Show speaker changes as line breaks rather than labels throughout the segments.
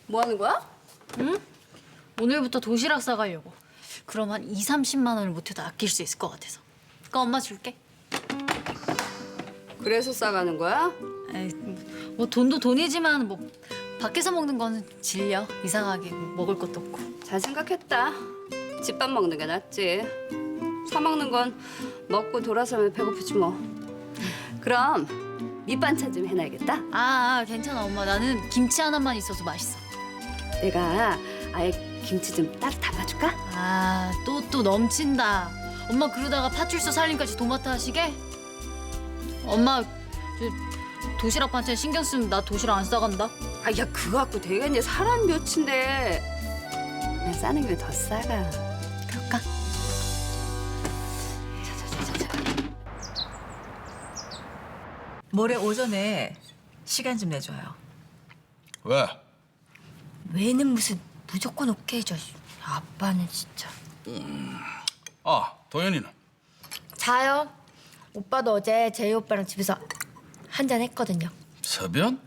뭐 하는 거야?
오늘부터 도시락 싸가려고. 그럼 한 2, 30만 원을 못해도 아낄 수 있을 것 같아서. 그거 엄마 줄게.
그래서 싸가는 거야?
에이, 뭐 돈도 돈이지만 뭐 밖에서 먹는 거는 질려. 이상하게 먹을 것도 없고.
잘 생각했다. 집밥 먹는 게 낫지. 사 먹는 건 먹고 돌아서면 배고프지 뭐. 그럼 밑반찬 좀 해놔야겠다.
괜찮아 엄마. 나는 김치 하나만 있어도 맛있어.
내가 아예 김치 좀 따로 담아줄까?
또 넘친다. 엄마 그러다가 파출소 살림까지 도맡아 하시게? 엄마 도시락 반찬 신경 쓰면 나 도시락 안 싸간다.
야 그거 갖고 되겠니? 사람 몇인데. 그냥 싸는 게 더 싸가.
그럴까?
모레 오전에 시간 좀 내줘요.
왜?
왜는 무슨 무조건 오케이죠. 아빠는 진짜.
도현이는?
자요. 오빠도 어제 제이 오빠랑 집에서 한잔 했거든요.
서변?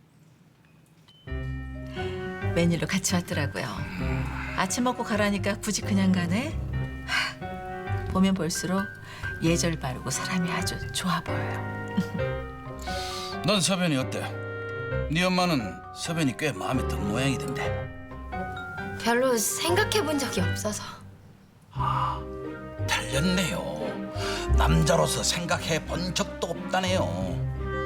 메뉴로 같이 왔더라고요. 아침 먹고 가라니까 굳이 그냥 가네. 보면 볼수록 예절 바르고 사람이 아주 좋아 보여요.
넌 서변이 어때? 네 엄마는 서변이 꽤 마음에 든 모양이던데.
별로 생각해 본 적이 없어서.
달렸네요. 남자로서 생각해 본 적도 없다네요.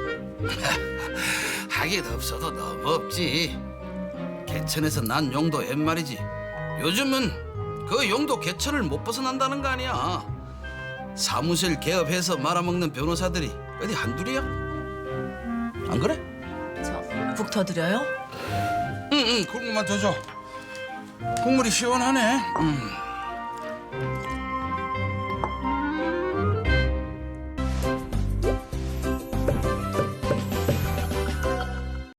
하긴 없어도 너무 없지. 개천에서 난 용도 옛말이지. 요즘은 그 용도 개천을 못 벗어난다는 거 아니야. 사무실 개업해서 말아먹는 변호사들이 어디 한둘이야? 안 그래?
저 국 더 드려요?
응, 국물만 더 줘. 국물이 시원하네.